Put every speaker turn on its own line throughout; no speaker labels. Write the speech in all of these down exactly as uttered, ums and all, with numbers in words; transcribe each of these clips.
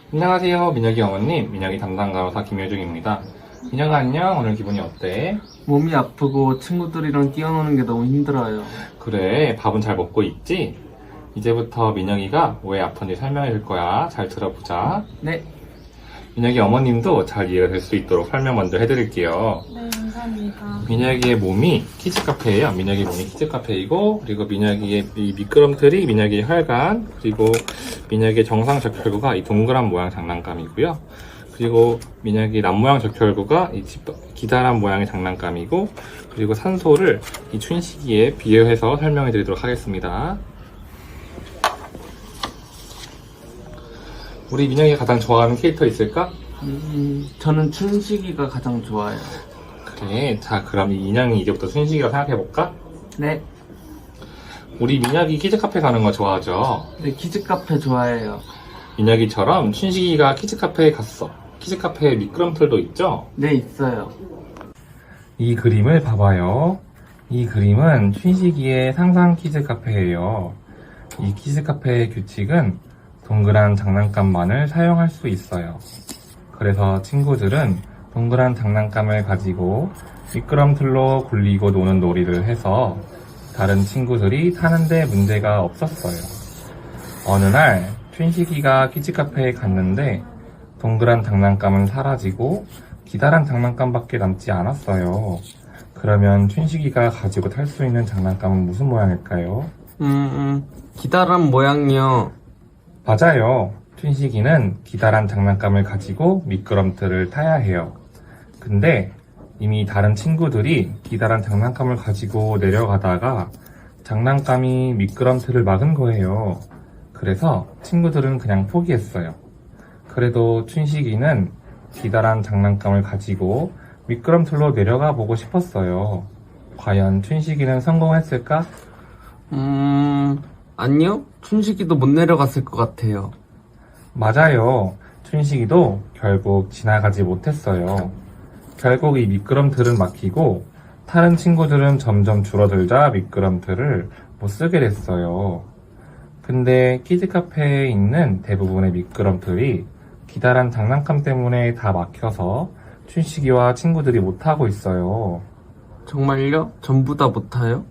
안녕하세요. 민혁이 어머님, 민혁이 담당 간호사 김효중입니다. 민혁아 안녕. 오늘 기분이 어때?
몸이 아프고 친구들이랑 뛰어노는 게 너무 힘들어요.
그래, 밥은 잘 먹고 있지? 이제부터 민혁이가 왜 아픈지 설명해 줄 거야. 잘 들어보자.
네.
민혁이 어머님도 잘 이해가 될 수 있도록 설명 먼저 해드릴게요.
네, 감사합니다.
민혁이의 몸이 키즈카페예요. 민혁이 몸이 키즈카페이고, 그리고 민혁이의 이 미끄럼틀이 민혁이의 혈관, 그리고 민혁이의 정상 적혈구가 이 동그란 모양 장난감이고요. 그리고 민혁이 남모양 적혈구가 이 기다란 모양의 장난감이고, 그리고 산소를 이 춘식이에 비유해서 설명해 드리도록 하겠습니다. 우리 민혁이가 가장 좋아하는 캐릭터 있을까?
음, 저는 춘식이가 가장 좋아요.
그래, 자 그럼 이 인형이 이제부터 춘식이라고 생각해볼까?
네.
우리 민혁이 키즈카페 가는 거 좋아하죠?
네, 키즈카페 좋아해요.
민혁이처럼 춘식이가 키즈카페에 갔어. 키즈카페에 미끄럼틀도 있죠?
네, 있어요.
이 그림을 봐봐요. 이 그림은 춘식이의 상상 키즈카페예요. 이 키즈카페의 규칙은 동그란 장난감만을 사용할 수 있어요. 그래서 친구들은 동그란 장난감을 가지고 미끄럼틀로 굴리고 노는 놀이를 해서 다른 친구들이 타는데 문제가 없었어요. 어느 날 춘식이가 키즈카페에 갔는데 동그란 장난감은 사라지고 기다란 장난감밖에 남지 않았어요. 그러면 춘식이가 가지고 탈 수 있는 장난감은 무슨 모양일까요?
음, 음, 기다란 모양이요.
맞아요. 춘식이는 기다란 장난감을 가지고 미끄럼틀을 타야 해요. 근데 이미 다른 친구들이 기다란 장난감을 가지고 내려가다가 장난감이 미끄럼틀을 막은 거예요. 그래서 친구들은 그냥 포기했어요. 그래도 춘식이는 기다란 장난감을 가지고 미끄럼틀로 내려가 보고 싶었어요. 과연 춘식이는 성공했을까?
음, 아니요. 춘식이도 못 내려갔을 것 같아요.
맞아요. 춘식이도 결국 지나가지 못했어요. 결국 이 미끄럼틀은 막히고 다른 친구들은 점점 줄어들자 미끄럼틀을 못 쓰게 됐어요. 근데 키즈카페에 있는 대부분의 미끄럼틀이 기다란 장난감 때문에 다 막혀서 춘식이와 친구들이 못하고 있어요.
정말요? 전부 다 못 타요?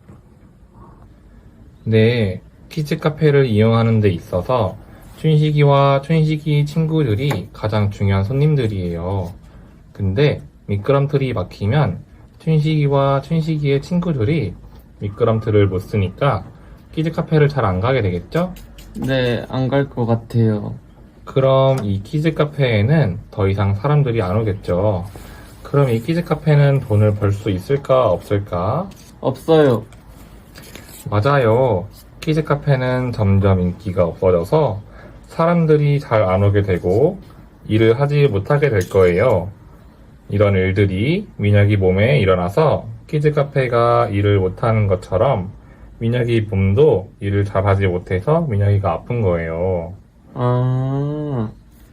네, 키즈카페를 이용하는 데 있어서 춘식이와 춘식이 친구들이 가장 중요한 손님들이에요. 근데 미끄럼틀이 막히면 춘식이와 춘식이의 친구들이 미끄럼틀을 못 쓰니까 키즈카페를 잘 안 가게 되겠죠?
네, 안 갈 것 같아요.
그럼 이 키즈카페에는 더 이상 사람들이 안 오겠죠? 그럼 이 키즈카페는 돈을 벌 수 있을까 없을까?
없어요.
맞아요. 키즈카페는 점점 인기가 없어져서 사람들이 잘 안 오게 되고 일을 하지 못하게 될 거예요. 이런 일들이 민혁이 몸에 일어나서 키즈카페가 일을 못하는 것처럼 민혁이 몸도 일을 잘 하지 못해서 민혁이가 아픈 거예요.
아,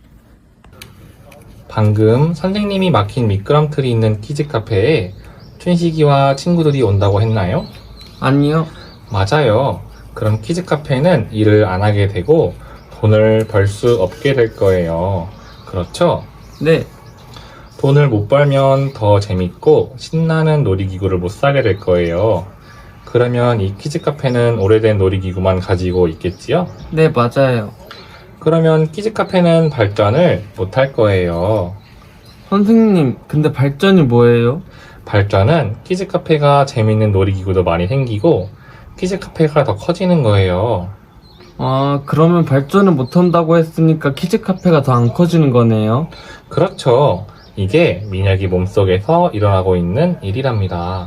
방금 선생님이 막힌 미끄럼틀이 있는 키즈카페에 춘식이와 친구들이 온다고 했나요?
아니요.
맞아요. 그럼 키즈카페는 일을 안 하게 되고 돈을 벌 수 없게 될 거예요. 그렇죠?
네,
돈을 못 벌면 더 재밌고 신나는 놀이기구를 못 사게 될 거예요. 그러면 이 키즈카페는 오래된 놀이기구만 가지고 있겠지요?
네, 맞아요.
그러면 키즈카페는 발전을 못 할 거예요.
선생님, 근데 발전이 뭐예요?
발전은 키즈카페가 재밌는 놀이기구도 많이 생기고 키즈카페가 더 커지는 거예요.
아, 그러면 발전을 못 한다고 했으니까 키즈카페가 더 안 커지는 거네요.
그렇죠. 이게 민혁이 몸속에서 일어나고 있는 일이랍니다.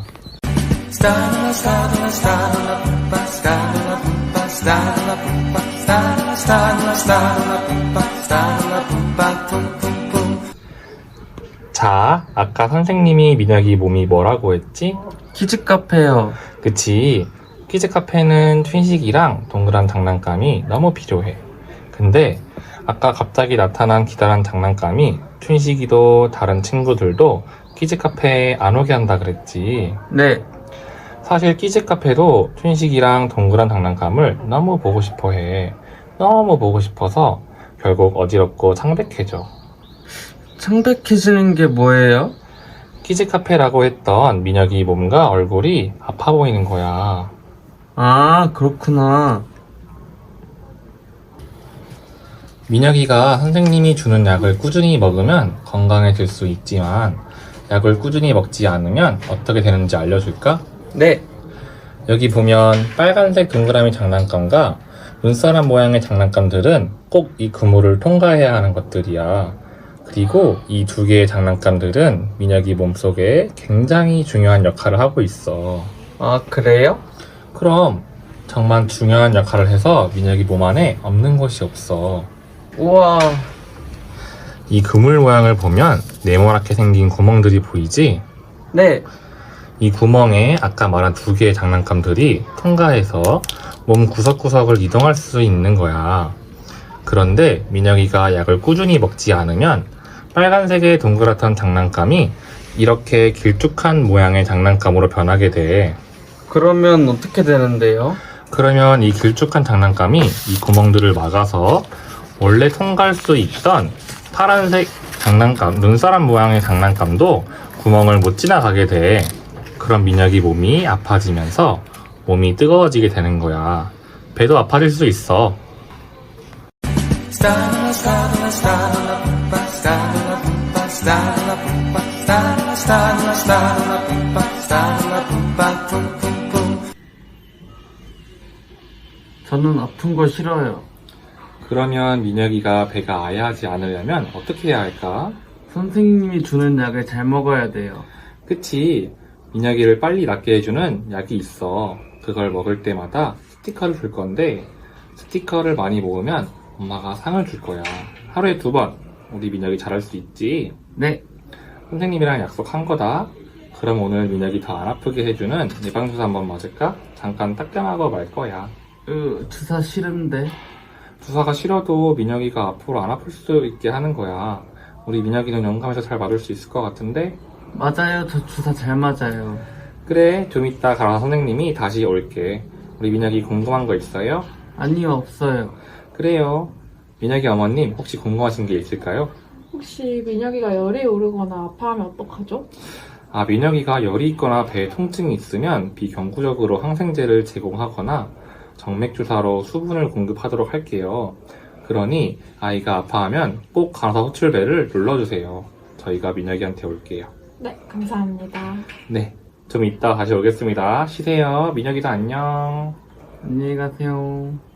자, 아까 선생님이 민혁이 몸이 뭐라고 했지?
키즈카페요.
그치. 키즈카페는 춘식이랑 동그란 장난감이 너무 필요해. 근데 아까 갑자기 나타난 기다란 장난감이 춘식이도 다른 친구들도 키즈카페에 안 오게 한다 그랬지.
네,
사실 키즈카페도 춘식이랑 동그란 장난감을 너무 보고 싶어 해. 너무 보고 싶어서 결국 어지럽고 창백해져.
창백해지는 게 뭐예요?
키즈 카페라고 했던 민혁이 몸과 얼굴이 아파 보이는 거야.
아, 그렇구나.
민혁이가 선생님이 주는 약을 꾸준히 먹으면 건강해질 수 있지만 약을 꾸준히 먹지 않으면 어떻게 되는지 알려줄까?
네.
여기 보면 빨간색 동그라미 장난감과 눈사람 모양의 장난감들은 꼭 이 그물을 통과해야 하는 것들이야. 그리고 이 두 개의 장난감들은 민혁이 몸속에 굉장히 중요한 역할을 하고 있어.
아, 그래요?
그럼 정말 중요한 역할을 해서 민혁이 몸 안에 없는 것이 없어.
우와.
이 그물 모양을 보면 네모나게 생긴 구멍들이 보이지?
네.
이 구멍에 아까 말한 두 개의 장난감들이 통과해서 몸 구석구석을 이동할 수 있는 거야. 그런데 민혁이가 약을 꾸준히 먹지 않으면 빨간색의 동그랗던 장난감이 이렇게 길쭉한 모양의 장난감으로 변하게 돼.
그러면 어떻게 되는데요?
그러면 이 길쭉한 장난감이 이 구멍들을 막아서 원래 통과할 수 있던 파란색 장난감, 눈사람 모양의 장난감도 구멍을 못 지나가게 돼. 그럼 민혁이 몸이 아파지면서 몸이 뜨거워지게 되는 거야. 배도 아파질 수 있어.
저는 아픈 거 싫어요.
그러면 민혁이가 배가 아야하지 않으려면 어떻게 해야 할까?
선생님이 주는 약을 잘 먹어야 돼요.
그치. 민혁이를 빨리 낫게 해주는 약이 있어. 그걸 먹을 때마다 스티커를 줄 건데 스티커를 많이 모으면 엄마가 상을 줄 거야. 하루에 두 번. 우리 민혁이 잘할 수 있지?
네.
선생님이랑 약속한 거다. 그럼 오늘 민혁이 더 안 아프게 해주는 예방주사 한번 맞을까? 잠깐 따끔하고 말 거야.
으, 주사 싫은데.
주사가 싫어도 민혁이가 앞으로 안 아플 수 있게 하는 거야. 우리 민혁이는 영감해서 잘 맞을 수 있을 것 같은데?
맞아요. 저 주사 잘 맞아요.
그래, 좀 이따 가라 선생님이 다시 올게. 우리 민혁이 궁금한 거 있어요?
아니요, 없어요.
그래요. 민혁이 어머님 혹시 궁금하신 게 있을까요?
혹시 민혁이가 열이 오르거나 아파하면 어떡하죠?
아, 민혁이가 열이 있거나 배에 통증이 있으면 비경구적으로 항생제를 제공하거나 정맥주사로 수분을 공급하도록 할게요. 그러니 아이가 아파하면 꼭 간호사 호출벨을 눌러주세요. 저희가 민혁이한테 올게요.
네, 감사합니다.
네, 좀 이따 다시 오겠습니다. 쉬세요. 민혁이도 안녕.
안녕히 가세요.